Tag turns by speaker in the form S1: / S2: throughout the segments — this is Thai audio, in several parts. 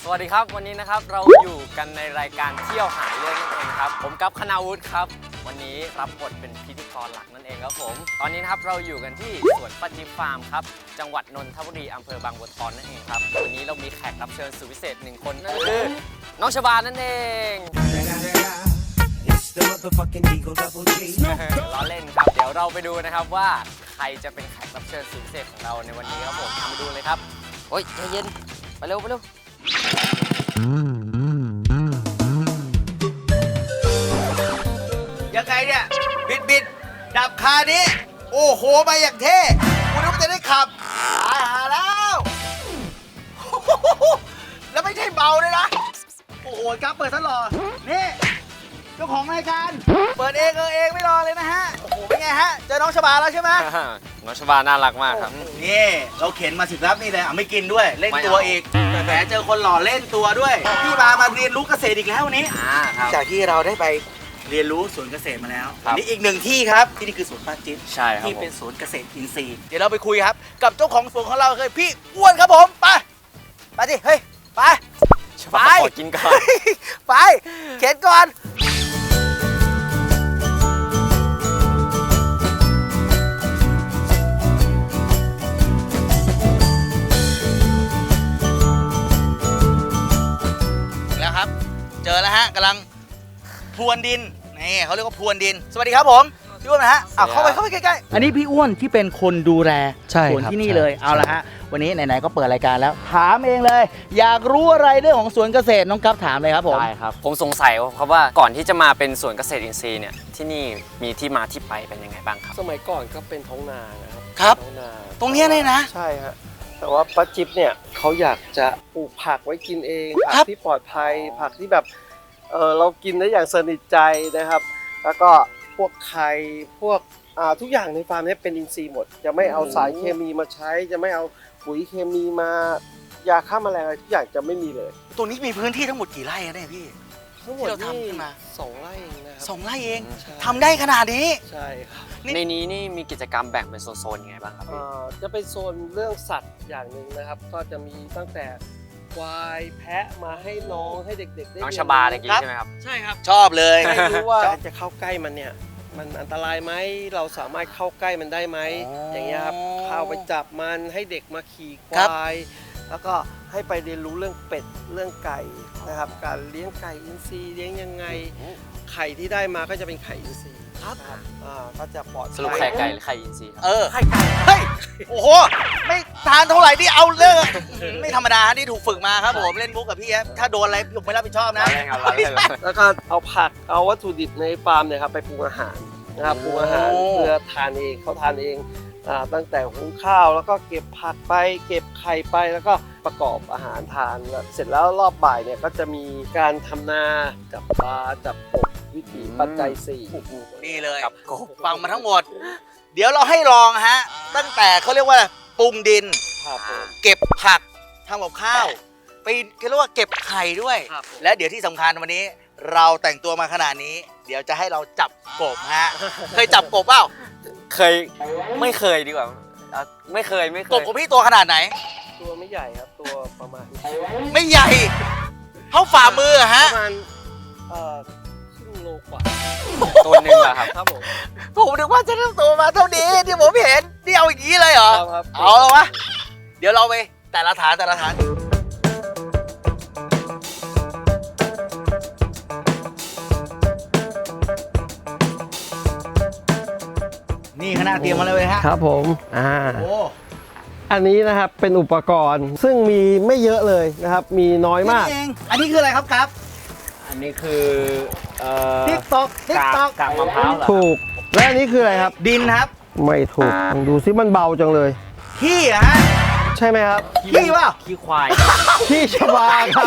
S1: สวัสดีครับวันนี้นะครับเราอยู่กันในรายการเที่ยวหาเรื่องนั่นเองครับผมกั๊บคณาวุฒิครับวันนี้รับบทเป็นพิธีกรหลักนั่นเองครับผมตอนนี้นะครับเราอยู่กันที่สวนป้าจิ๊บฟาร์มครับจังหวัดนนทบุรีอำเภอบางบัวทองนั่นเองครับวันนี้เรามีแขกรับเชิญสุดพิเศษ1คนนั่นก็คือน้องชบานั่นเองล้อเล่นครับเดี๋ยวเราไปดูนะครับว่าใครจะเป็นแขกรับเชิญสุดพิเศษของเราในวันนี้ครับผมทำไปดูเลยครับโอ้ยใจเย็นไปเร็วไปเร็ว
S2: ยังไงเนี่ยบิดดับคานี้โอ้โหมาอย่างเท่คุณนึกว่าจะได้ขับหาแล้วแล้วไม่ใช่เบาเลยนะโอ้โหครับเปิดซะหล่อนี่เจ้าของรายการเปิดเองไม่รอเลยนะฮะโอ้โหเป็นไงฮะเจอน้องชบาแล้วใช่ไหม
S1: น้องชบาน่ารักมากครับ
S2: นี่เราเข็นมาสิบรับนี่เลยไม่กินด้วยเล่นตัวอีกแต่เจอคนหล่อเล่นตัวด้วยพี่มาเรียนรู้เกษตรอีกแล้ววันนี้จากที่เราได้ไปเรียนรู้สวนเกษตรมาแล้วนี่อีกหนึ่งที่ครับที่นี่คือสวนป้าจิ๊บ
S1: ใช่ครับ
S2: ที่เป็นสวนเกษตรอินทรีย์เดี๋ยวเราไปคุยครับกับเจ้าของสวนของเราคือพี่อ้วนครับผมไปสิเฮ้ยไป
S1: ชบาขอกินก่อน
S2: ไปเข็นก่อนแล้วครับเจอแล้วฮะกำลังพรวนดินนี่เขาเรียกว่าพรวนดินสวัสดีครับผมพี่อ้วนนะฮะเข้าไปใกล้ๆอันนี้พี่อ้วนที่เป็นคนดูแลสวนที่นี่เลยเอาละฮะวันนี้ไหนๆก็เปิดรายการแล้วถามเองเลยอยากรู้อะไรเรื่องของสวนเกษตรน้องกั๊บถามเลยครับผม
S1: ได้ครับผมสงสัยครับว่าก่อนที่จะมาเป็นสวนเกษตรอินทรีย์เนี่ยที่นี่มีที่มาที่ไปเป็นยังไงบ้างครับ
S3: สมัยก่อนก็เป็นท้องนานะครับ
S2: ครับ
S3: ท้องนา
S2: ตรงนี้เนี่ยนะ
S3: ใช่ฮะแต่ว่าป้าจิ๊บเนี่ยเขาอยากจะปลูกผักไว้กินเองผั
S2: ครับ
S3: ที่ปลอดภัยผักที่แบบเรากินได้อย่างสนิทใจนะครับ แล้วก็พวกไข่พวกทุกอย่างในฟาร์มนี้เป็นอินทรีย์หมดจะไม่เอาสารเคมีมาใช้ จะไม่เอาปุ๋ยเคมีมายาฆ่าแมลงอะไรทุกอย่างจะไม่มีเลย
S2: ตรงนี้มีพื้นที่ทั้งหมดกี่ไร่อะเนี่ยพี่
S3: ทั้งหมด
S2: ที่เราทำขึ้นมา
S3: 2 ไร่เองนะครับ
S2: 2 ไร่เอง
S3: ใช่
S2: ทำได้ขนาดนี้
S3: ใช่ครับ
S1: ในนี้นี่มีกิจกรรมแบ่งเป็นโซนๆยังไงบ้างครับพี่
S3: จะเป็นโซนเรื่องสัตว์อย่างหนึ่งนะครับ ก็จะมีตั้งแต่ควายแพะมาให้น้องให้เด็กๆได้
S1: น้อง
S3: เรีย
S1: ชบาตะกี้ใช่ไหมครับ
S3: ใช่ครับ
S2: ชอบเลย
S3: ไม่รู้ว่าจะเข้าใกล้มันเนี่ยมันอันตรายไหมเราสามารถเข้าใกล้มันได้ไหมอย่างเงี้ยครับเข้าไปจับมันให้เด็กมาขี่ควาย แล้วก็ให้ไปเรียนรู้เรื่องเป็ดเรื่องไก่นะครับการเลี้ยงไก่อินทรีย์เลี้ยงยังไงไข่ที่ได้มาก็จะเป็นไข่อินทรีย์
S2: ครับ
S3: ก็จะปลอดภัย
S1: สรุปไข่ไก่หรือไข่อินทรีย์ครับ
S2: ไข่ไก่เฮ้ยโอ้โหไม่ทานเท่าไหร่ที่เอาเรื่องไม่ธรรมดาที่ถูกฝึกมาครับผมเล่นมุกกับพี่ฮะถ้าโดนอะไรผมไม่รับผิดชอบนะ
S3: แล้วก็เอาผักเอาวัตถุดิบในฟาร์มเนี่ยครับไปปรุงอาหารนะครับปรุงอาหารเพื่อทานเองเขาทานเองตั้งแต่หุงข้าวแล้วก็เก็บผักไปเก็บไข่ไปแล้วก็ประกอบอาหารทานแล้วเสร็จแล้วรอบบ่ายเนี่ยก็จะมีการทำนาจับปลาจับกบวิถีปัจจัย4
S2: นี่เลย
S1: กับกบ
S2: ฟังมาทั้งหมด เดี๋ยวเราให้ลองฮะตั้งแต่เขาเรียกว่าปรุงดิน
S3: ครับผม
S2: เก็บผักทำกับข้าวไปเขาเรียกว่าเก็บไข่ด้วย
S3: ครับ
S2: และเดี๋ยวที่สำคัญวันนี้ เราแต่งตัวมาขนาดนี้ เดี๋ยวจะให้เราจับกบฮะ เคยจับกบเปล่า
S1: ไม่เคยดีกว่าไม่เคย
S2: กบของพี่ตัวขนาดไหน
S3: ตัวไม่ใหญ่ครับตัวประมาณ
S2: ไม่ใหญ่เท่าฝ่ามืออะ
S3: ป
S2: ฮะ
S3: ระมาณครึ่งโลกว่า
S1: ตัวหนึ่งอะครับ
S3: ครับผม
S2: ผมนึกว่าจะต้องตัวมาเท่านี้ที่ผมเห็นนี่เอาอย่างนี้เลยเหรอ
S3: ครับ
S2: เอาแล้ววะเดี๋ยวเราไปแต่ละฐานนี่คณะเตรียมมาเลยฮะ
S3: ครับผม
S2: โอ้
S3: อันนี้นะครับเป็นอุปกรณ์ซึ่งมีไม่เยอะเลยนะครับ มีน้อยมาก
S2: นี่เองอันนี้คืออะไรครับครับ
S1: อันนี้คือ
S2: ติ๊กตอก
S1: กากมะพร้าวเหรอ
S3: ถูก และอันนี้คืออะไรครับ
S2: ดินครับ
S3: ไม่ถูกลองดูซิมันเบาจังเลย
S2: ขี้อะฮะ
S3: ใช่ไหมครับ
S2: ขี้เปล่า
S1: ขี้ควาย
S3: ขี้ชบาครับ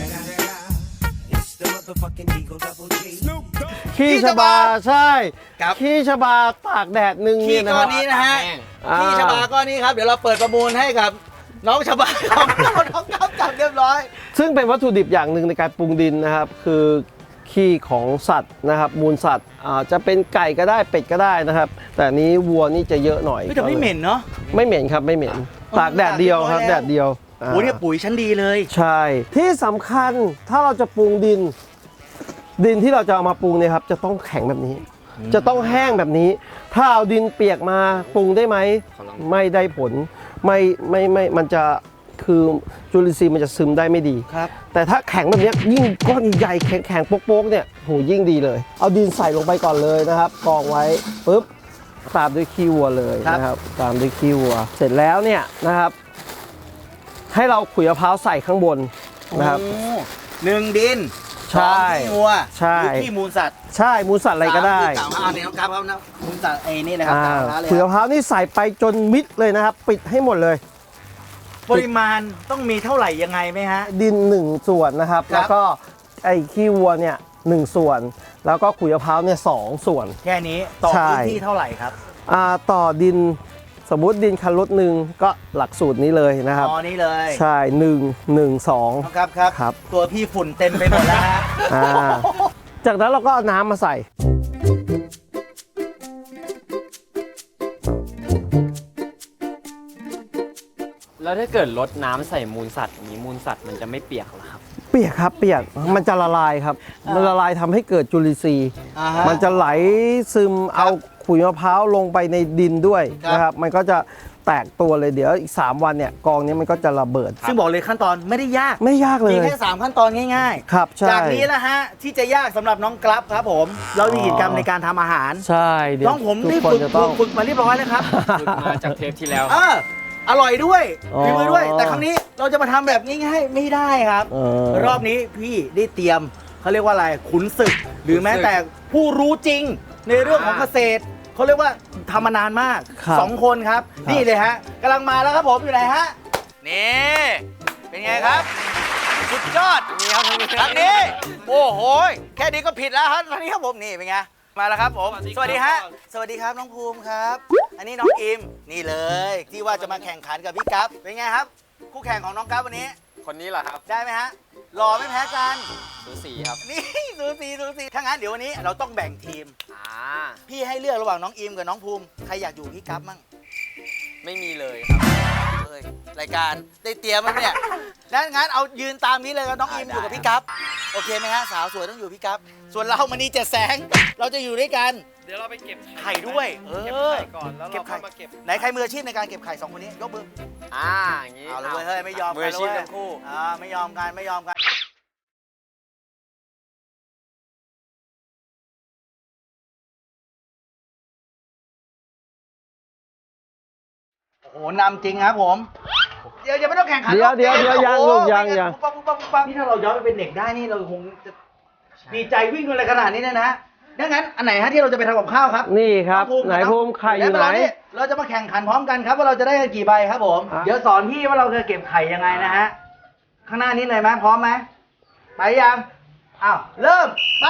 S3: ขี้ชบาใช่
S2: ครับ
S3: ขี้ชบาตากแดดหนึ่ง
S2: ขี้
S3: เนี่ยนะ
S2: ก้
S3: ค
S2: อ
S3: รั
S2: น
S3: บ
S2: นี้นะฮะ
S3: อ่า
S2: ขี้ชบาก้อนนี้ครับเดี๋ยวเราเปิดประมูลให้กับน้องชบาของเราน้องครับจับเรียบร้อย
S3: ซึ่งเป็นวัตถุดิบอย่างหนึ่งในการปรุงดินนะครับ คือขี้ของสัตว์นะครับ มูลสัตว์จะเป็นไก่ก็ได้เป็ดก็ได้นะครับ แต่อันนี้วัวนี่จะเยอะหน่อย
S2: แต่ไม่เหม็นเนาะ
S3: ไม่เหม็นครับไม่เหม็นตากแดดเดียวครับแดดเดียว
S2: โอ้เนี่ยปุ๋ยชั้นดีเลย
S3: ใช่ที่สำคัญถ้าเราจะปรุงดินที่เราจะเอามาปรุงเนี่ยครับจะต้องแข็งแบบนี้ จะต้องแห้งแบบนี้ ถ้าเอาดินเปียกมาปรุงได้ไหมไม่ได้ผลไม่มันจะคือจุลินทรีย์มันจะซึมได้ไม่ดี
S2: ครับ
S3: แต่ถ้าแข็งแบบนี้ยิ่งก้อนใหญ่แข็งๆโป๊กๆเนี่ยโหยิ่งดีเลย เอาดินใส่ลงไปก่อนเลยนะครับกองไว้ปุ๊บตามด้วยขี้วัวเลยนะครับตามด้วยขี้วัว เสร็จแล้วเนี่ยนะครับ ให้เราขุยมะพร้าวใส่ข้างบนนะครับ
S2: โอ้หนึ่งดิน
S3: ใช่
S2: สองขี้วัว
S3: ใช่
S2: หรือขี้มูลสัตว์
S3: ใช่มูลสัตว์อะไรก็ได้
S2: สามที่กล่าวมาเนี่ยน้องครับนะมูลสัตว์ไอ้นี่นะครับ
S3: อ่า
S2: ตามร้านเลย
S3: ขุย
S2: ค
S3: มะ
S2: รับ
S3: พร้าวนี่ใส่ไปจนมิดเลยนะครับ ปิดให้หมดเลย
S2: ปริมาณต้องมีเท่าไหร่ยังไงไหมฮะ
S3: ดิน1ส่วนนะครับ
S2: ครับ
S3: แล้วก็ไอ้ขี้วัวเนี่ย1ส่วน แล้วก็ขุยมะพร้าวเนี่ย2ส่วน
S2: แค่นี้ต่อ
S3: ใช่
S2: พื้นที่เท่าไหร่ครับ
S3: ต่อดินสมมุติดินคันรถหนึ่งก็หลักสูตรนี้เลยนะครับ
S2: อ๋อนี่เลย
S3: ใช่1 1 2
S2: ครับครับ
S3: ครับ
S2: ตัวพี่ฝุ่นเต็มไปหมดแล้วฮะ
S3: จากนั้นเราก็เอาน้ำมาใส่
S1: แล้วถ้าเกิดลดน้ำใส่มูลสัตว์อย่างนี้มูลสัตว์มันจะไม่เปียกเหรอครับ
S3: เปียกครับเปียกมันจะละลายครับ มันละลายทำให้เกิดจุลินทรีย์
S2: อ่าฮะ
S3: มันจะไหลซึมเอาขุยมะพร้าวลงไปในดินด้วย
S2: ครับ
S3: นะครับมันก็จะแตกตัวเลยเดี๋ยวอีก3วันเนี่ยกองนี้มันก็จะระเบิด
S2: ซึ่งบอกเลยขั้นตอนไม่ได้ยาก
S3: ไม่ยากเล
S2: มี
S3: ย
S2: แค่3ขั้นตอนง่าย
S3: ครับใช่
S2: จากนี้นะฮะที่จะยากสำหรับน้องกราฟครับผม เรามีกิจกรรมในการทำอาหาร
S3: ใช่เดี๋ยว
S2: น้องผม
S3: ทุก
S2: นี่
S3: คน
S2: ฝึก
S3: จะต้อง
S2: ฝึกมาเรียบร้อยแล้วครับ
S1: ฝึกมาจากเทปที่แล้ว
S2: เอออร่อยด้วย
S3: อ๋อ
S2: ฝีมือด้วย แต่ครั้งนี้เราจะมาทำแบบง่ายๆไม่ได้ครับ รอบนี้พี่ได้เตรียมเขาเรียกว่าอะไรขุนศึก หรือแม้แต่ผู้รู้จริงในเรื่องของเกษตรเขาเรียกว่าทำมานานมาก
S3: ครับ
S2: 2 คนครับ นี่เลยฮะกำลังมาแล้วครับผมอยู่ไหนฮะนี่เป็นไงครับ สุดยอด
S1: นี่ครับท่านผู้ชม
S2: ทางนี้โอ้โหแค่นี้ก็ผิดแล้วครับทางนี้ครับผมนี่เป็นไงมาแล้วครับผมสวัสดีฮะสวัสดีครับน้องภูมิครับ อันนี้น้องอิมนี่เลยที่ว่าจะมาแข่งขันกับพี่กั๊บเป็นไงครับ คู่แข่งของน้องกั๊บวันนี้
S1: คนนี้เหรอครับ
S2: ได้ไหมฮะหล่อไม่แพ้กัน
S1: สูสีครับ
S2: นี่สูสีถ้างั้นเดี๋ยววันนี้เราต้องแบ่งทีม พี่ให้เลือกระหว่างน้องอิมกับน้องภูมิใครอยากอยู่พี่กั๊บมั่ง
S1: ไม่มีเลยครับ
S2: เลยรายการได้เตรียมไหมเนี่ยงั้นเอายืนตามนี้เลยครับน้องอิมอยู่กับพี่กั๊บโอเคไหมฮะสาวสวยต้องอยู่พี่กั๊บส่วนเรามณีเจ็ดแสงเราจะอยู่ด้วยกัน
S3: เดี๋ยวเราไปเก็บ
S2: ไข่ด้วย
S3: เก็บไข่ก่อนแล้ว
S2: เก็
S3: เรา
S2: บไข่
S3: ค่อยมาเก็บ
S2: ไหนใครมืออาชีพในการเก็บไข่2 คนนี้ยกมือ
S1: อย่างนี้
S2: เอาเลยเว้ยเฮ้ยไม่ยอม
S1: มือ
S2: กัน
S1: อาชีพ
S2: เว้ย
S1: ทั้งคู่
S2: ไม่ยอมกันโอ้โหนำจริงครับผมเดี๋ยวไม่ต้องแข่งขัน
S3: เดี๋ยวยังลูกยัง
S2: ปุ๊บนี่ถ้าเราย้อนไปเป็นเด็กได้นี่เราคงจะดีใจวิ่งอะไรขนาดนี้นะดังนั้นอันไหนฮะที่เราจะไปทำกับข้าวครับ
S3: นี่ครับ
S2: น้อง
S3: ไหนภูมิไข่อยู่ไหน
S2: เราจะมาแข่งขันพร้อมกันครับว่าเราจะได้กันกี่ใบครับผม
S3: อ่ะ
S2: เดี๋ยวสอนพี่ว่าเราจะเก็บไข่ยังไงนะฮะข้างหน้านี้เลยไหมพร้อมไหมไปยังอ้าวเริ่มไป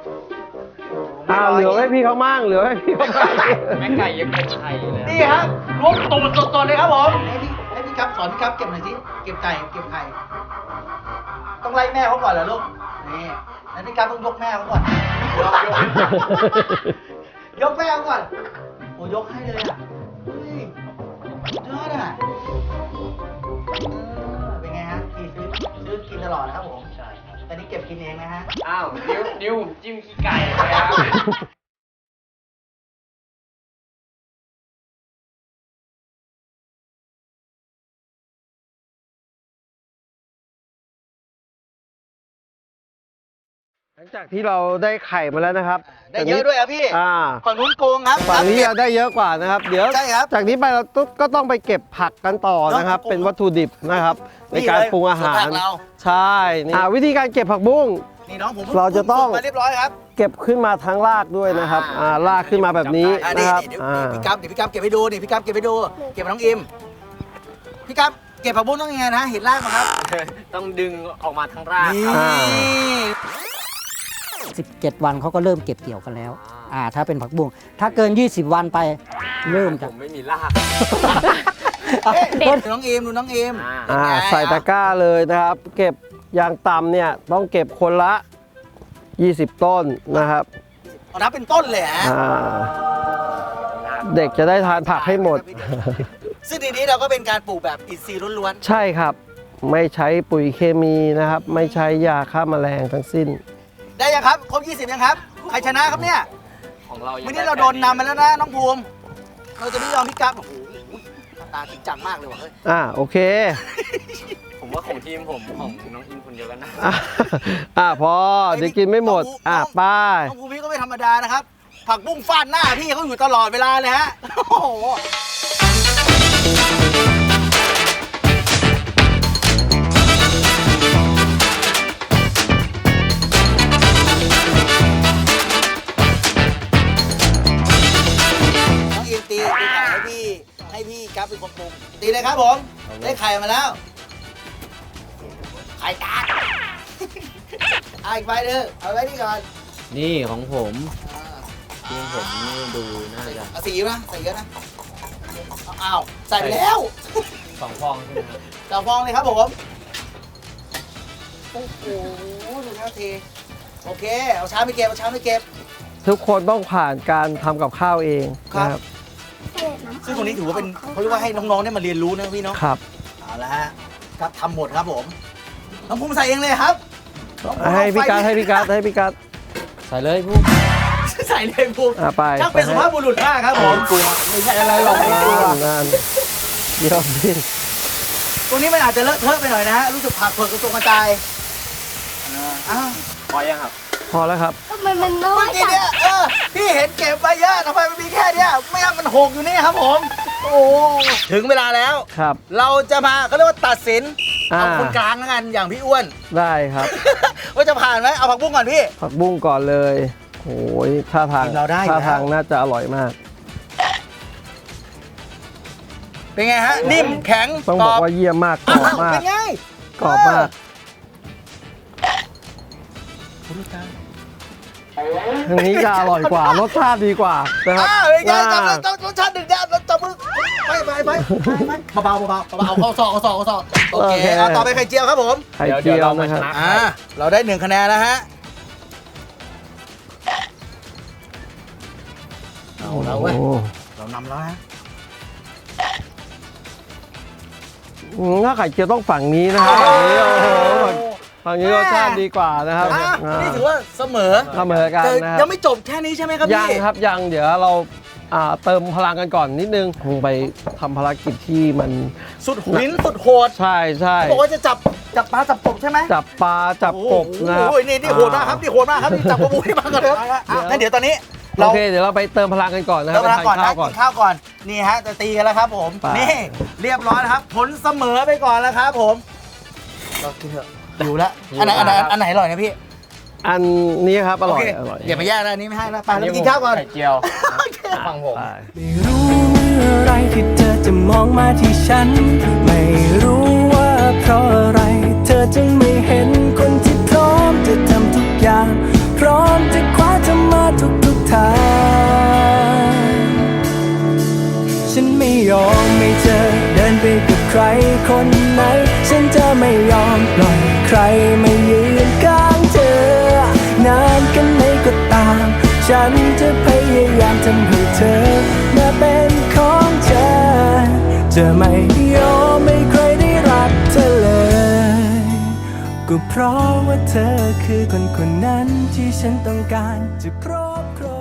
S3: เหลือให้พี่เขามั่งเหลือให้พี่เขามั่ง
S1: แม่ไก่ยังเป็นไข่เลย
S2: นี่ครับล้วงตูดสดๆเลยครับผมให้พี่ครับสอนพี่ครับเก็บหน่อยสิเก็บไก่เก็บไข่ต้องไล่แม่เขาก่อนเหรอลูกนี่แล้วพี่ครับต้องยกแม่เขาก่อนยกแม่เขาก่อนโอ้ยกให้เลยอ่ะเฮ้ยยอดอ่ะเป็นไงฮะพี่ซื้อกินตลอดนะครับผมใช่แต่นี่เก็บกินเองนะฮะ
S1: อ้าวนิ้วผมจิ้มขี้ไก่เลยครับ
S3: หลังจากที่เราได้ไข่มาแล้วนะครับ
S2: ได้เยอะด้วยอ่ะพี่ ฝั่งนู้นโกงครับ
S3: ฝั่งนี้เราได้เยอะกว่านะครับ เดี๋ยว
S2: ใช่ครับ
S3: จากนี้ไปเราก็ต้องไปเก็บผักกันต่อนะครับ เป็นวัตถุดิบนะครับ ในการปรุงอาหาร
S2: ส่วนผักเรา
S3: ใช่นี่วิธีการเก็บผักบุ้ง
S2: นี่น้องผม
S3: เราจะต้อง
S2: มาเรียบร้อยครับ
S3: เก็บขึ้นมาทั้งรากด้วยนะครับรากขึ้นมาแบบนี้
S2: นี่
S3: นะครับ
S2: เดี๋ยวพี่กั๊บเดี๋ยวพี่กั๊บเก็บให้ดูนี่พี่กั๊บเก็บให้ดู เก็บกับน้องอิมพี่กั๊บเก็บผักบุ้งต้องยังไงนะเห็นรากมาครับ
S1: ต้องดึงออกมาทั้งราก
S2: นี่
S1: ครับ
S4: 17 วันเขาก็เริ่มเก็บเกี่ยวกันแล้ว ถ้าเป็นผักบุ้ง ถ้าเกิน 20 วันไปเริ่ม
S1: ผ
S4: จาก
S1: มไม่มีราก
S2: ดูน้องอิมดูน้องอิม
S3: ใส่ตะกร้าเลยนะครับ เก็บอย่างต่ำเนี่ยต้องเก็บคนละ 20 ต้นนะครับ
S2: เอานับเป็นต้นเลยฮะ
S3: เด็กจะได้ทานผักให้หมด
S2: ซึ่งทีนี้เราก็เป็นการปลูกแบบอินทรีย์ล้วน
S3: ใช่ครับไม่ใช้ปุ๋ยเคมีนะครับ ไม่ใช้ยาฆ่าแมลงทั้งสิ้น
S2: ได้ยังครับครบ20ยังครับใครชนะครับเนี่ย
S1: ของเรายัง
S2: วันนี้เราโดนนำไปแล้วนะน้องภูมิเราจะไม่ยอมพี่กั๊บโอ้โหหน้าตาจริงจังมากเลยว่ะเฮ้ย
S3: โอเค
S1: ผมว่าของทีมผมของน้องอินคนเดียวกันนะ
S3: พอเดี๋ยวกินไม่หมดป้าย
S2: น้องภูมิพี่ก็ไม่ธรรมดานะครับผักบุ้งฟาดหน้าพี่เขาอยู่ตลอดเวลาเลยฮะโอ้โหน้องอินตีไข่ให้พี่กั๊บเป็นคนปรุงตีเลยครับผมได้ไข่มาแล้วไข่ตาอีกใบหนึงเอาไว้นี่ก่อน
S1: นี่ของผมทีมผมนี่ดูน่าจะ
S2: เอาสีนะใส่เยอะนะอ้าวใส่ไปแล้ว
S1: 2 ฟองใช่ไหมครับ
S2: เจ้าฟองเลยครับผมโอ้โหดูแล้วทีโอเคเอาช้าไม่เก็บเอาช้าไม่เก็บ
S3: ทุกคนต้องผ่านการทำกับข้าวเองนะครับ
S2: ซึ่งตรงนี้ถือว่าเป็นเขาเรียกว่าให้น้องๆได้มาเรียนรู้นะพี่เนาะ
S3: ครับ
S2: เอาละฮะครับทำหมดครับผมน้องภูมิใส่เองเลยครับ
S3: ให้พี่กัดให้พี่กัดให้พี่กัด
S1: ใส่เลยพวก
S2: ใส่เลยภูมิ
S3: ไป
S2: ช่างเป็นสุภาพบุรุษมากครับผม
S1: กลัว
S2: ไม่ใช่อะไรหรอกไม่กลัว
S3: นานเดี๋ยวพี่
S2: ตรงนี้มันอาจจะเลอะเทอะไปหน่อยนะฮะรู้สึกผักเผือกกระตุกกระจายอ้าว
S1: พอยังครับ
S3: พอแล้วครับ
S5: ทำไมมันน้อ
S2: เมื่อย กี้
S5: จัง
S2: เนี่ยพี่เห็นเก็บไปเยอะทำไมมันมีแค่เนี้ยไม่งั้นมันหกอยู่นี่ครับผม โอ้ถึงเวลาแล้ว
S3: ครับ
S2: เราจะมาเขาเรียกว่าตัดสิน
S3: อ่า
S2: เอาคนกลางแล้วกันอย่างพี่อ้วน
S3: ได้ครับ
S2: ว่าจะผ่านไหมเอาผักบุ้งก่อนพี่
S3: ผักบุ้งก่อนเลยโอ้ยท่าทาง
S2: ทีมเราได้อยู่
S3: ท่า
S2: แล้ว
S3: ทางน่าจะอร่อยมาก
S2: เป็นไงฮะ นิ่มแข็ง
S3: ต้องบอกว่าเยี่ยมมากกร
S2: อ้า
S3: อบ
S2: ว
S3: มาก
S2: เป็นไง
S3: กรอบมากทางนี้จะอร่อยกว่ารสชาติดีกว่านะครับ
S2: เป็นไง
S3: อ่า
S2: จับรสชาติหนึ่งเดียวจับมือไปเบาเอาเข้าซอกโอเคเอาต่อไปไข่เจียวครับผม
S3: ไข่เจียวนะครับ
S2: เราได้1คะแนนแล้วฮะเอาแล้วเว้ย
S3: โอ้
S2: เรานำแล้วฮะ
S3: ถ้าไข่เจียวต้องฝั่งนี้นะครับฝั่งนี้โอ้โหฝั่งนี้รสชาติดีกว่านะครับ
S2: นี่ถือว่าเสมอ
S3: เสมอกัน
S2: แต่
S3: นะครับ
S2: ยังไม่จบแค่นี้ใช่ไหมครับพี่
S3: ยังครับยังเดี๋ยวเราเติมพลังกันก่อนนิดนึงคงไปทำภารกิจที่มัน
S2: สุดหินสุดโหด
S3: ใช่ใช่
S2: เขาบอกว่าจะจับปลาจับกบใช่ไหม
S3: จับปลาจับกบนะครับ
S2: โอ้ยนี่โหดมากครับนี่โหดมากครับนี่จับกระบุยมาก่อนเลยงั้นเดี๋ยวตอนนี้
S3: โอเคเดี๋ยวเราไปเติมพลังกันก่อนนะค
S2: เติ
S3: รับ
S2: มพลังก่อน
S3: ไป
S2: นะ
S3: ทานข้าวก่อน
S2: กินข้าวก่อนนี่ฮะจะตีกันแล้วครับผม
S3: ไป
S2: นี่เรียบร้อยแล้วครับผลเสมอไปก่อนแล้วครับผมเรากินเถอะอยู่แล้วอันไหนอร่อยนะพี่
S3: อันนี้ครับอร่อย
S2: โเค
S3: อร่อย
S2: อย่ามาแย่งนะอันนี้ไม่ให้นะไปแล้วไปกินข้าวก่อน
S1: ไข่เจียวฟังผม
S3: ไป
S6: ไม่รู้เมื่อไรที่เธอจะมองมาที่ฉัน ไม่รู้ว่าเพราะอะไร เธอจึงไม่เห็นคนที่พร้อมจะทำทุกอย่าง พร้อมจะคว้าเธอมาทุกทาง ฉันไม่ยอมไม่เจอเดินไปกับใครคนไหน ฉันจะไม่ยอมปล่อยใครมายืนข้างเธอนานกันไหนก็ตาม ฉันจะพยายามทำให้เธอมาเป็นของฉันจะไม่ยอมให้ใครได้รักเธอเลย ก็เพราะว่าเธอคือคนนั้นที่ฉันต้องการจะครอบครอง